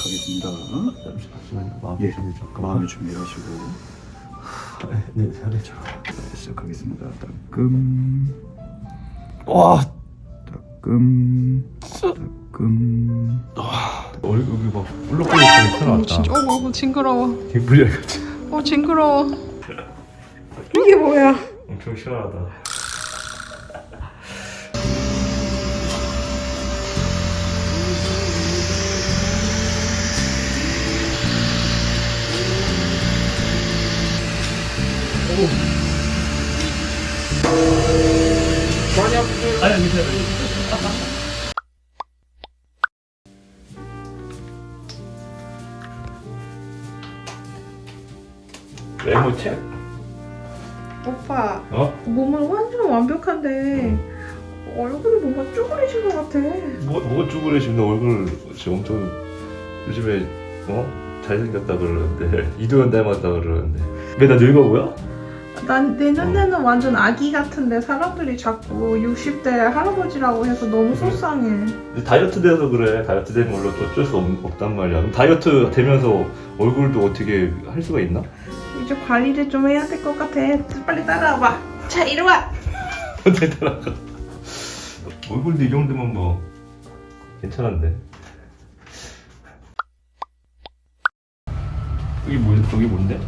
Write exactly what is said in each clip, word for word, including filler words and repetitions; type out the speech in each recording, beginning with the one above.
하겠습니다. 잠시만요. 마음 예, 준비 잠깐만. 마음의 준비하시고 네, 잘해. 자, 시작하겠습니다. 따끔 와, 따끔 따끔 얼굴이 막 울렁거리게 어, 튀어나왔다. 진짜 어, 어 징그러워. 개불이야 같이. 어 징그러워. 이게 뭐야? 엄청 시원하다. 많이 아프죠? 아니 괜찮아. 외모 책? 오빠 어? 몸은 완전 완벽한데 얼굴이 뭔가 쭈그리신 것 같아. 뭐, 뭐가 쭈그리시면 너 얼굴 지금 엄청 요즘에 어? 잘생겼다 그러는데 이도현 닮았다 그러는데 왜 나 늙어 보여? 난 내 눈에는 완전 아기 같은데 사람들이 자꾸 육십 대 할아버지라고 해서 너무 속상해. 다이어트 돼서 그래. 다이어트 된 걸로 또 어쩔 수 없, 없단 말이야. 그럼 다이어트 되면서 얼굴도 어떻게 할 수가 있나? 이제 관리를 좀 해야 될 것 같아. 빨리 따라와봐. 자 이리 와. 어떻게 따라가? 얼굴도 이 정도면 뭐 괜찮은데. 여기 뭐 저기 뭔데?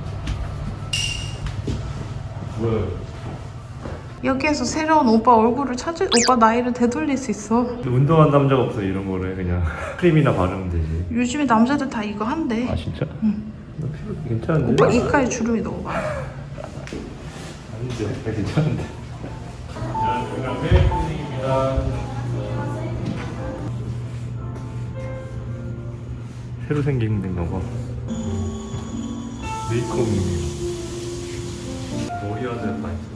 뭐야? 여기에서 새로운 오빠 얼굴을 찾을 오빠 나이를 되돌릴 수 있어. 운동한 남자가 없어 이런 거를 그냥 크림이나 바르면 되지. 요즘에 남자들 다 이거 한대. 아 진짜? 응. 나 피부 괜찮은데? 오빠 이가에 주름이 너무 많아. 아닌데 나 괜찮은데. 자, 여기가 메이크업입니다. 새로 생긴 데인가 봐. 메이크업이에요. 머리 안에 다 있어.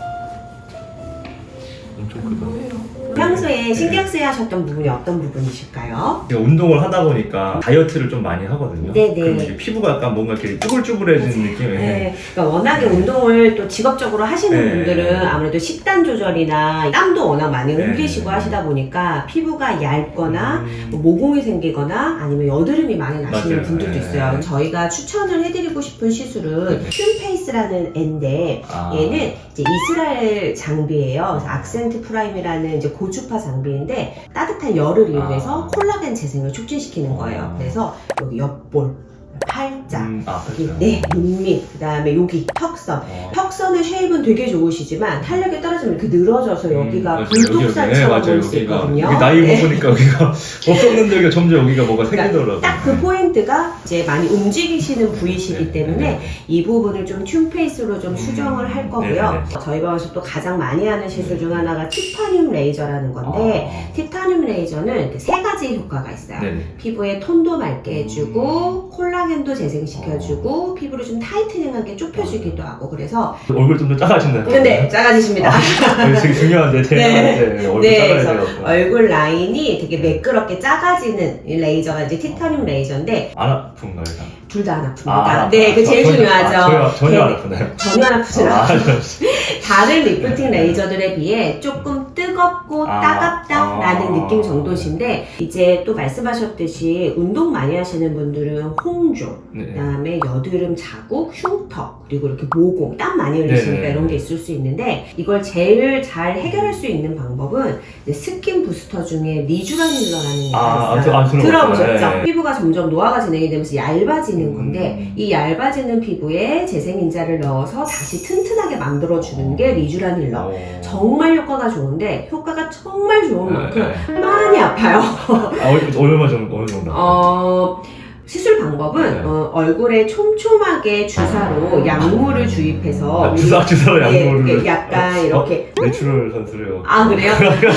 엄청 크다. 평소에 신경 쓰여 하셨던 부분이 어떤 부분이실까요? 제가 운동을 하다 보니까 다이어트를 좀 많이 하거든요. 네네. 그럼 이제 피부가 약간 뭔가 이렇게 쭈글쭈글해지는 느낌이. 네, 그러니까 워낙에 운동을 또 직업적으로 하시는 네. 분들은 아무래도 식단 조절이나 땀도 워낙 많이 네. 흘리시고 하시다 보니까 피부가 얇거나 음. 뭐 모공이 생기거나 아니면 여드름이 많이 나시는 맞아요. 분들도 네. 있어요. 저희가 추천을 해드리고 싶은 시술은 네. 튠페이스라는 애인데 아. 얘는 이제 이스라엘 장비예요. 그래서 악센트 프라임이라는 이제 고주파 장비인데 따뜻한 열을 이용해서 아. 콜라겐 재생을 촉진시키는 거예요. 아. 그래서 여기 옆볼, 팔자, 음, 아, 여기, 그렇죠. 네, 눈밑, 그 다음에 여기 턱선. 어. 턱선의 쉐입은 되게 좋으시지만 탄력이 떨어지면 이렇게 늘어져서 여기가 음, 불독살처럼 맞아요. 보일 수 여기가, 있거든요. 여기 나이 네. 먹으니까 여기가 없었는데 여기가 점점 여기가 뭐가 생기더라고요. 딱 그 포인트가 이제 많이 움직이시는 부위시기 네, 때문에 네. 이 부분을 좀 튠페이스로 좀 수정을 할 거고요. 네, 네. 저희 병원에서 또 가장 많이 하는 시술 중 하나가 티타늄 레이저라는 건데 아. 티타늄 레이저는 세 가지 효과가 있어요. 네네. 피부의 톤도 맑게 해주고 콜라겐도 재생시켜주고 피부를 좀 타이트닝하게 좁혀주기도 하고 그래서 얼굴 좀 더 작아진다. 근데 작아지십니다. 아, 되게 중요한데 대단한데 얼굴 네, 작아야 그래서 돼요. 얼굴 라인이 되게 매끄럽게 작아지는 이 레이저가 이제 티타늄 레이저인데 안 아픈가요? 다? 둘 다 안 아픕니다. 아, 네, 그 저- 제일 전혀- 중요하죠. 아, 전혀, 전혀 안 네, 아프나요? 전혀 안 아프진 아, 않아요. 저- 다른 리프팅 레이저들에 비해 조금 뜨겁고 아, 따갑다라는 아. 느낌 정도신데 이제 또 말씀하셨듯이 운동 많이 하시는 분들은 홍조, 네. 그다음에 여드름 자국, 흉터, 그리고 이렇게 모공, 땀 많이 흘리시니까 네. 이런 게 있을 수 있는데 이걸 제일 잘 해결할 수 있는 방법은 이제 스킨 부스터 중에 리쥬라닐러라는 게 아, 있어요. 아, 아, 들어봤어요. 들어보셨죠? 네. 피부가 점점 노화가 진행이 되면서 얇아지는 음. 건데 이 얇아지는 피부에 재생인자를 넣어서 다시 튼튼하게 만들어주는 게 리쥬라닐러. 어. 정말 효과가 좋은데 효과가 정말 좋은 만큼 네. 많이 아파요. 아, 얼- 얼마 정도 어느 정도? 어, 시술 방법은 네. 어, 얼굴에 촘촘하게 주사로 약물을 주입해서 아, 주사 주사로 네, 약물을 이렇게 약간 이렇게 내추럴 선수래요. 아 그래요?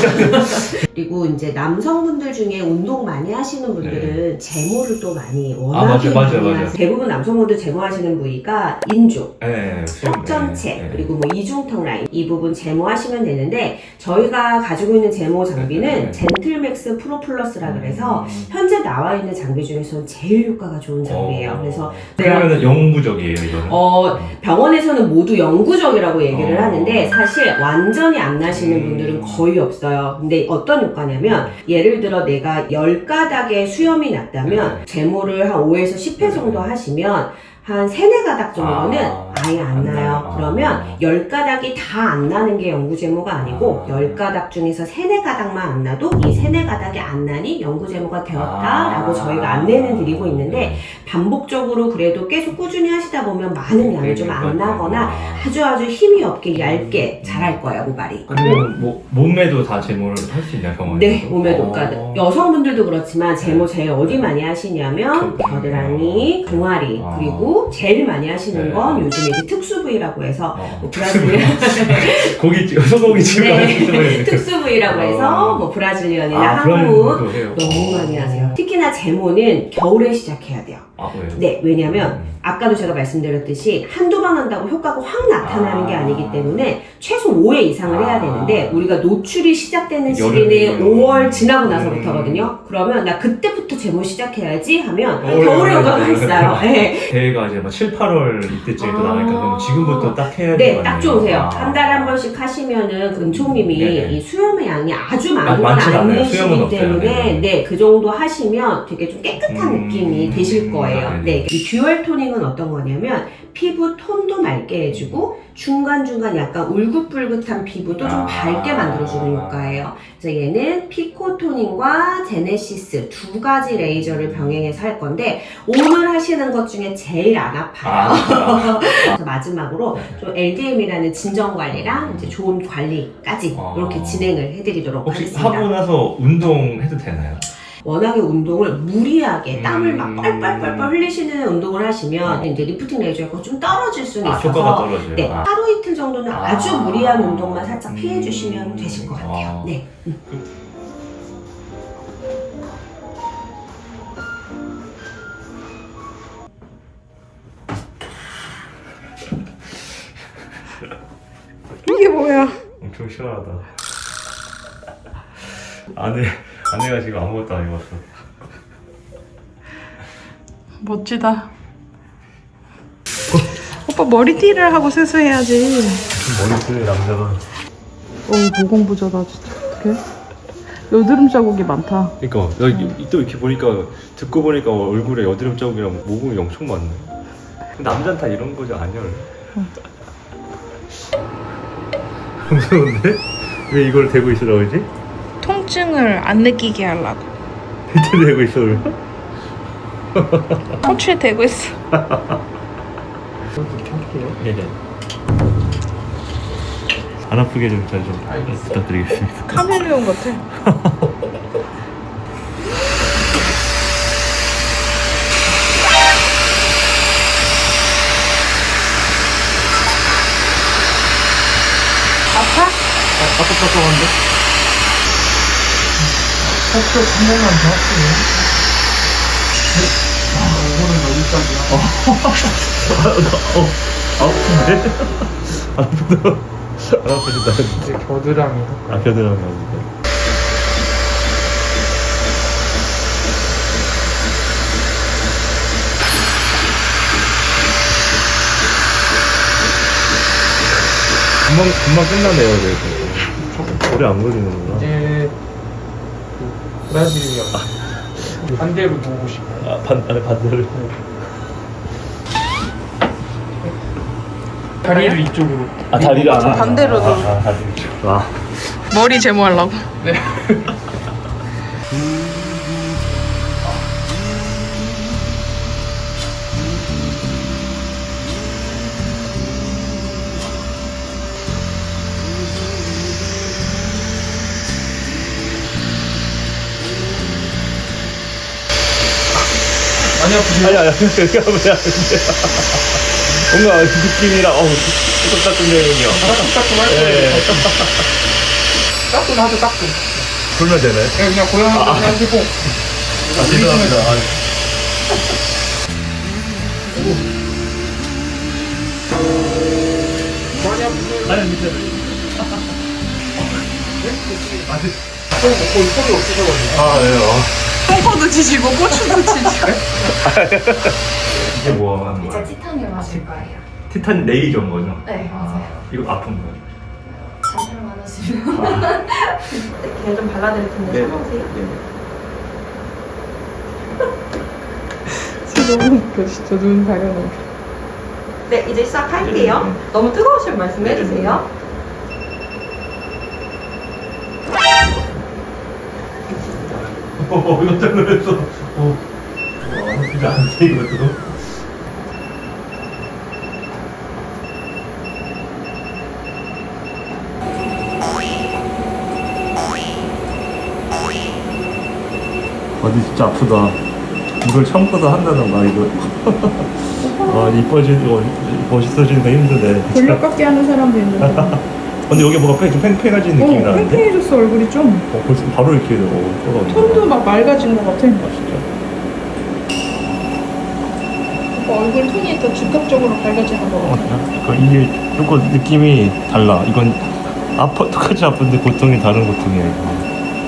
그리고 이제 남성분들 중에 운동 많이 하시는 분들은 제모를 또 많이 네. 원하게 맞아요, 맞아요, 많이 맞아요. 하세요. 대부분 남성분들 제모하시는 부위가 인조, 네, 턱 전체 네. 그리고 뭐 이중턱 라인 이 부분 제모하시면 되는데 저희가 가지고 있는 제모 장비는 네. 젠틀맥스 프로 플러스라 그래서 음. 현재 나와 있는 장비 중에서는 제일 제일 효과가 좋은 장비예요. 어. 그래서 그러면은 영구적이에요 이거는? 어, 병원에서는 모두 영구적이라고 얘기를 어. 하는데 사실 완전히 안 나시는 음. 분들은 거의 없어요. 근데 어떤 효과냐면 예를 들어 내가 열 가닥의 수염이 났다면 네. 제모를 한 오에서 십 회 정도 하시면 한 세네 가닥 정도는 아, 아예 안 안 나요. 나요. 그러면 아. 열 가닥이 다 안 나는 게 영구제모가 아니고 아. 열 가닥 중에서 세네 가닥만 안 나도 이 세네 가닥이 안 나니 영구제모가 되었다라고 아. 저희가 안내는 드리고 있는데 반복적으로 그래도 계속 꾸준히 하시다 보면 많은 양이 좀 안 나거나 아주 아주 힘이 없게 얇게 자랄 거예요, 모발이. 그러면 뭐 몸매도 다 제모를 할 수 있나요, 병원에서? 네, 몸에 어. 녹가득. 여성분들도 그렇지만 제모 제일 어디 많이 하시냐면 겨드랑이, 종아리, 아. 그리고 제일 많이 하시는 네. 건 요즘에 이제 특수 부위라고 해서 어. 뭐 브라질리언 고기 찍- 소고기 집가는 네, 특수 부위라고 해서 어. 뭐 브라질리언이나 아, 한국 브라질도 해요. 너무 많이 하세요. 특히나 제모는 겨울에 시작해야 돼요. 아, 왜요? 네, 왜냐면 음. 아까도 제가 말씀드렸듯이 한두 번 한다고 효과가 확 나타나는 게 아. 아니기 때문에 최소 오 회 이상을 해야 아. 되는데 우리가 노출이 시작되는 시기는 여름이요. 오월 지나고 나서부터거든요. 음. 그러면 나 그때부터 제모 시작해야지 하면 겨울에 겨울에 효과가 하면 있어요. 네. 대회가 이제 막 칠, 팔월 이때쯤에 또 아. 나니까 그럼 지금부터 딱 해야 네, 되는 딱 거 좋으세요. 아니에요? 한 달에 한 번씩 하시면은 금총님이 네네. 이 수염의 양이 아주 아, 많은 건 많진 않아요. 수염은 아니시기 없어요. 때문에 네네. 네, 그 정도 하시면 되게 좀 깨끗한 음. 느낌이 되실 거예요. 아, 네, 이 듀얼 토닝은 어떤 거냐면 피부 톤도 맑게 해주고 중간중간 약간 울긋불긋한 피부도 좀 아. 밝게 만들어주는 효과예요. 그래서 얘는 피코토닝과 제네시스 두 가지 레이저를 병행해서 할 건데 오늘 하시는 것 중에 제일 안 아파요. 아, 그래서 마지막으로 좀 엘디엠이라는 진정 관리랑 이제 좋은 관리까지 아. 이렇게 진행을 해드리도록 혹시 하겠습니다. 하고 나서 운동해도 되나요? 워낙에 운동을 무리하게 음. 땀을 막 뻘뻘뻘뻘 흘리시는 운동을 하시면 이제 리프팅 레이저가 좀 떨어질 수는 아, 있어서 효과가 떨어져요. 네, 아. 하루 이틀 정도는 아. 아주 무리한 운동만 살짝 음. 피해 주시면 되실 것 같아요. 아. 네. 음. 이게 뭐야? 엄청 시원하다. 아내, 아내가 지금 아무것도 안 입었어. 멋지다. 오빠 머리띠를 하고 세수해야지. 머리띠 남자가. 어, 모공부자다 진짜. 어떡해? 여드름 자국이 많다. 그러니까 나 또 이렇게 보니까 듣고 보니까 얼굴에 여드름 자국이랑 모공이 엄청 많네. 남자는 다 이런 거지 아니야? 무서운데? 왜 이걸 대고 있으라고 그러지? 통증을 안 느끼게 하려고. 밑에 대고 있어 그러면? 호추에 대고 있어. 네네. 안 아프게 좀 잘 좀 부탁드리겠습니다. 카멜레온 같아. 아파? 따뜻따뜻한데? 혹시 한 번만 더 할게요. 아, 이거는 여기까지야. 어, 아픈데? 안 아프다. 안 아프신다. 이제 겨드랑이. 아, 겨드랑이 아프다. 금방, 금방 끝나네요, 그래도. 오래 안 걸리는구나. 이제 그 브라질리언 반대로 보고 싶어요. 아, 반, 아니, 반대로. 다리를 이쪽으로. 아, 다리를 안 반대로 아, 아, 다리 이쪽. 아. 머리 제모하려고. 네. 많이 아프세요? 아니, 아니, 그렇게 하면 안 돼. 뭔가 느낌이랑, 어우, 똑딱똑딱해요. 따끔따끔 할 거예요. 따끔하죠, 따끔. 불면 되나요? 네, 그냥 고양이 아, 하시고. 아, 죄송합니다. 아, 많이 아프세요? 아니, 밑에. 거의, 거의 소리 없으셔가지고. 아, 네. 요 똥꼬도 지지고 고추도 지지고. 이게 뭐 하는 이제 거야? 티타늄 하실 거예요. 티탄 레이저인 거죠? 네, 맞아요. 이거 아픈 거예요? 잠시만 하시면. 그냥 좀 발라드릴 텐데 네. 참아보세요. 네. 너무 웃겨 진짜 눈 가려놓은 네 이제 시작할게요. 네, 네. 너무 뜨거우시면 말씀해주세요. 어, 깜짝 놀랐어. 어, 진짜 안 돼, 이것도. 어디 진짜 아프다. 이걸 처음부터 한다는 거, 이거. 와, 이뻐지고, 멋있어지니까 힘드네. 돌려깎기 하는 사람도 있는데. 근데 여기 뭐가 좀 팽팽해진 느낌이 어, 나는데? 팽팽해졌어 얼굴이 좀. 어, 벌써 바로 이렇게 어, 쏟아오네. 톤도 막 맑아진 것 같아. 아, 진짜. 오빠 얼굴 톤이 더 즉각적으로 밝아지는 것 같아. 그 이게 조금 느낌이 달라. 이건 아파 똑같이 아픈데 고통이 다른 고통이야. 이거.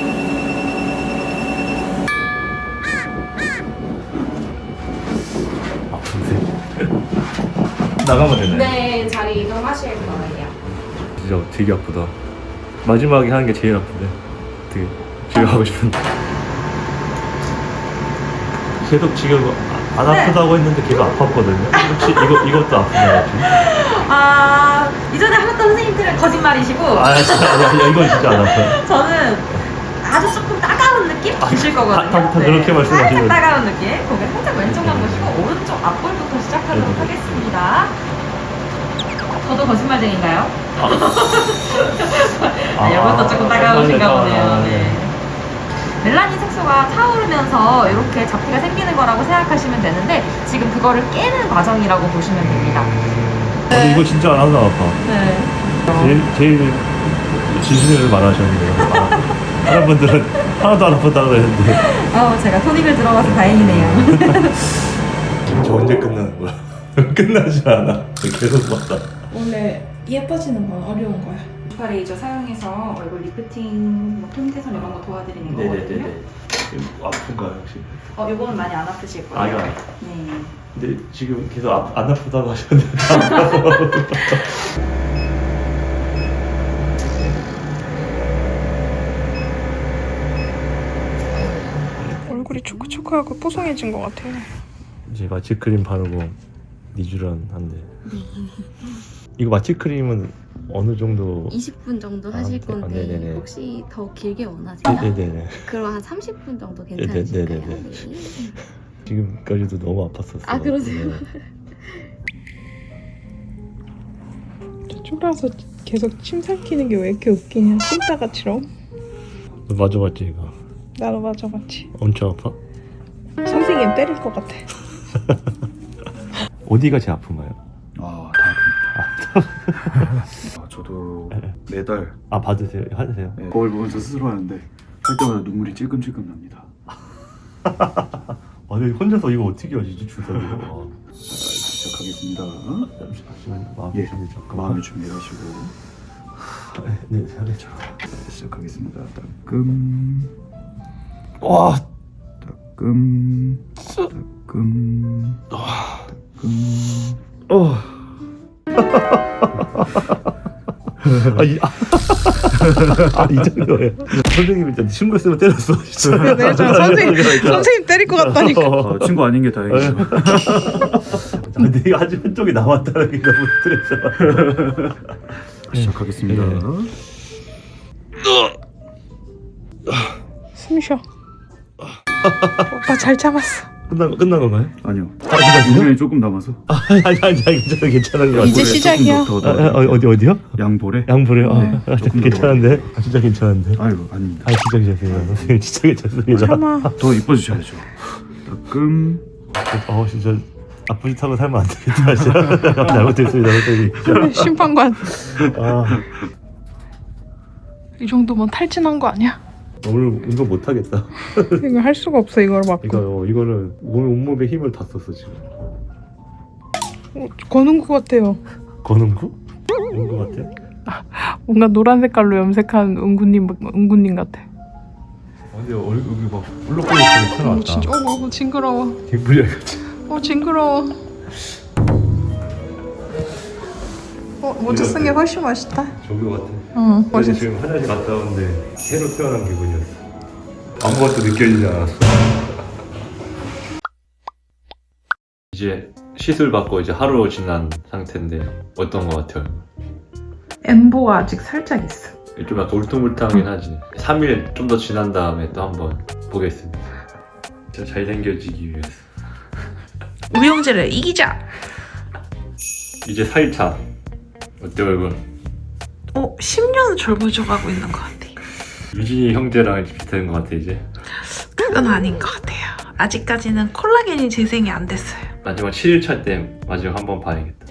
아픈데. 나가면 되네. 네, 자리 이동하실 거예요. 진짜 되게 아프다. 마지막에 하는 게 제일 아픈데. 되게 집에 가고 싶은데. 계속 지금 안 아프다고 했는데 계속 아팠거든요. 혹시 이거 이것도 아프나요? 지금? 아, 이전에 하셨던 선생님들은 거짓말이시고 아 진짜 아니야, 아니야, 이건 진짜 안 아파요. 저는 아주 조금 따가운 느낌 드실 거거든요. 다, 다, 다 그렇게 말씀하시는 살짝 따가운 느낌. 고개 살짝 왼쪽만 보시고 오른쪽 앞볼부터 시작하도록 네네. 하겠습니다. 저도 거짓말쟁인가요? 아, 이것도 조금 따가우신가 보네요. 네. 멜라닌 색소가 타오르면서 이렇게 잡티가 생기는 거라고 생각하시면 되는데 지금 그거를 깨는 과정이라고 보시면 됩니다. 근데 이거 진짜 안 하나 아파. 네. 제일 제일 진실을 말하셨네요. 아, 다른 분들은 하나도 안 아팠다 그랬는데. 어, 제가 토닉을 들어가서 다행이네요. 진짜 언제 끝나는 거야? 끝나지 않아. 계속 봤다. 원래 예뻐지는 건 어려운 거야. 주파 레이저 사용해서 얼굴 리프팅, 뭐 톤 개선 이런 거 도와드리는 거거든요. 아픈가요 혹시? 어, 요거는 많이 안 아프실 거예요. 아, 이거 안 네. 근데 지금 계속 아, 안 아프다고 하셨는데. 얼굴이 초크초크하고 뽀송해진 것 같아. 이제 마취크림 바르고 니쥬란 한데. 이거 마취크림은 어느 정도? 이십 분 정도 아, 하실 네. 건데 아, 네네네. 혹시 더 길게 원하세요? 네네네. 그럼 한 삼십 분 정도 네네, 괜찮으실까요? 네네네. 네. 지금까지도 너무 아팠었어. 아, 그러세요? 네. 쫄아서 계속 침 삼키는 게 왜 이렇게 웃기냐. 찐따가처럼. 너 맞아봤지 이거? 나도 맞아봤지. 엄청 아파? 선생님 때릴 것 같아. 어디가 제일 아픈가요? 아, 다 아픕니다. 아, 저도 매달 아 받으세요? 하세요? 네, 거울 보면서 스스로 하는데 할 때마다 눈물이 찔끔찔끔 납니다. 아니 혼자서 이거 어떻게 하시지 주사로? 자, 시작하겠습니다. 잠시만 마음 예, 준비 잠깐. 마음을 준비하시고 네, 잘했죠. 시작하겠습니다. 따끔 와, 따끔 따끔 따끔 어. 아, 이, 아, 아, 이 정도예요. 선생님이 일단 친구 있으면 때렸어. 진짜. 네, 저 선생님, 선생님 때릴 것 같다니까. 아, 친구 아닌 게 다행이죠. 근데 이거 아직 한쪽이 남았다는 게 너무 스트레스. 시작하겠습니다. 네. 숨 쉬어. 오빠 잘 참았어. 끝난 끝난 건가요? 아니요. 아, 끝났어요? 시간이 조금 남아서 아니 아니 아니 괜찮아 괜찮은 거 이제 같아요. 시작이야. 조금 더, 아, 더, 아, 어디 어디요? 양볼에. 양불에. 아, 네, 아, 조금 더 괜찮은데? 아, 진짜 괜찮은데? 아이고 아닙니다. 아 진짜 괜찮습니다. 선생님 진짜 괜찮습니다. 참아. 더 이뻐지셔야죠. 따끔 어 진짜 아픈 짓 하고 살면 안 되겠다. 진짜 잘못했습니다 선생님. 심판관. 아 이 정도면 탈진한 거 아니야? 오늘 운동 못 하겠다. 이거 할 수가 없어 이걸 맞고. 이거 어, 이거는 온 온몸에 힘을 다 썼어 지금. 어, 거는 것 같아요. 거는구? 온거 같아? 뭔가 노란 색깔로 염색한 은구님 은구님 같아. 아 근데 얼굴이 막 울렁거리게 튀어나왔다. 진짜 어, 어 징그러워. 개불이야 같이. 어 징그러워. 어 모자 쓴 게 훨씬 멋있다. 조교 같아. 응 어제 멋있어. 지금 화장실 갔다 오는데 새로 태어난 기분이었어. 아무것도 느껴지지 않았어. 이제 시술 받고 이제 하루 지난 상태인데 어떤 거 같아요? 엠보가 아직 살짝 있어. 좀 약간 울퉁불퉁하긴 하지. 삼 일 좀 더 지난 다음에 또 한번 보겠습니다. 진짜 잘생겨지기 위해서. 우영재를 이기자. 이제 사 일 차. 어때 얼굴? 어 십 년 젊어져가고 있는 것 같아. 유진이 형제랑 비슷한 것 같아 이제. 그건 아닌 것 같아요. 아직까지는 콜라겐이 재생이 안 됐어요. 마지막 칠 일 차 때 마지막 한번 봐야겠다.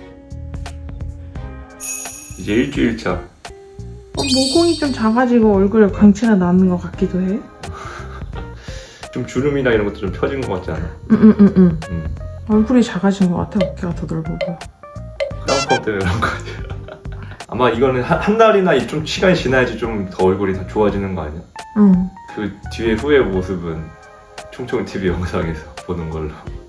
이제 일주일 차. 어, 모공이 좀 작아지고 얼굴에 광채가 나는 것 같기도 해. 좀 주름이나 이런 것도 좀 펴진 것 같지 않아? 응응응응. 응. 응. 얼굴이 작아진 것 같아. 어깨가 더 넓어 보여. 쌍꺼 때문에 그런 거 같아. 아마 이거는 한, 한 달이나 좀 시간이 지나야지 좀 더 얼굴이 더 좋아지는 거 아니야? 응. 그 뒤에 후의 모습은 총총티비 영상에서 보는 걸로.